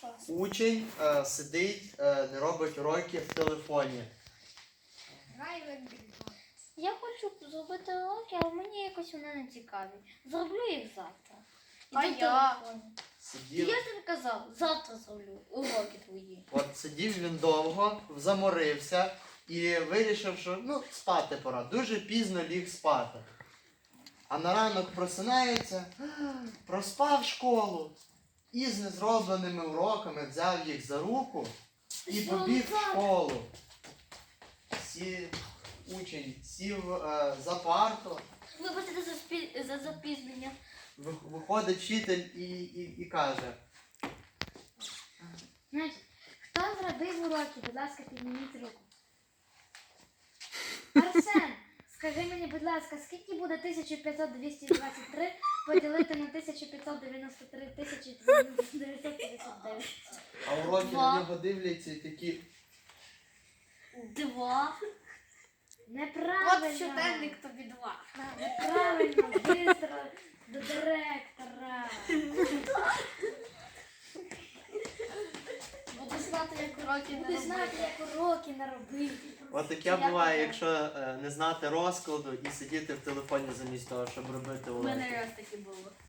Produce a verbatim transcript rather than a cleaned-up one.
Учень е, сидить, е, не робить уроки в телефоні. Я хочу зробити уроки, але мені якось вони не цікаві. Зроблю їх завтра. А Іду в я? телефоні. Сидів, Я ж тобі казав, завтра зроблю уроки твої. от сидів він довго, заморився і вирішив, що ну, спати пора. Дуже пізно ліг спати. А на ранок просинається, проспав школу і з незробленими уроками взяв їх за руку і побіг в школу. Сі... Учень сів е, за парту, Вибачте за, спі... за запізнення. ви- виходить вчитель і, і, і каже: Значить, хто зробив уроки, будь ласка, підніміть руку. Арсен, скажи мені, будь ласка, скільки буде тисяча п'ятсот двісті двадцять три поділити на тисяча п'ятсот дев'яносто три тисячі дев'ятсот п'ятдесят дев'ять? а уроки Два. на нього дивляться і такі: Два. От Неправильно. щоденник тобі два. Неправильно. Бистро до директора. Буду знати, як уроки не Будеш знати, робити. як уроки наробити. от таке Я буває, така. якщо е, не знати розкладу і сидіти в телефоні замість того, щоб робити У уроки. мене раз таке було.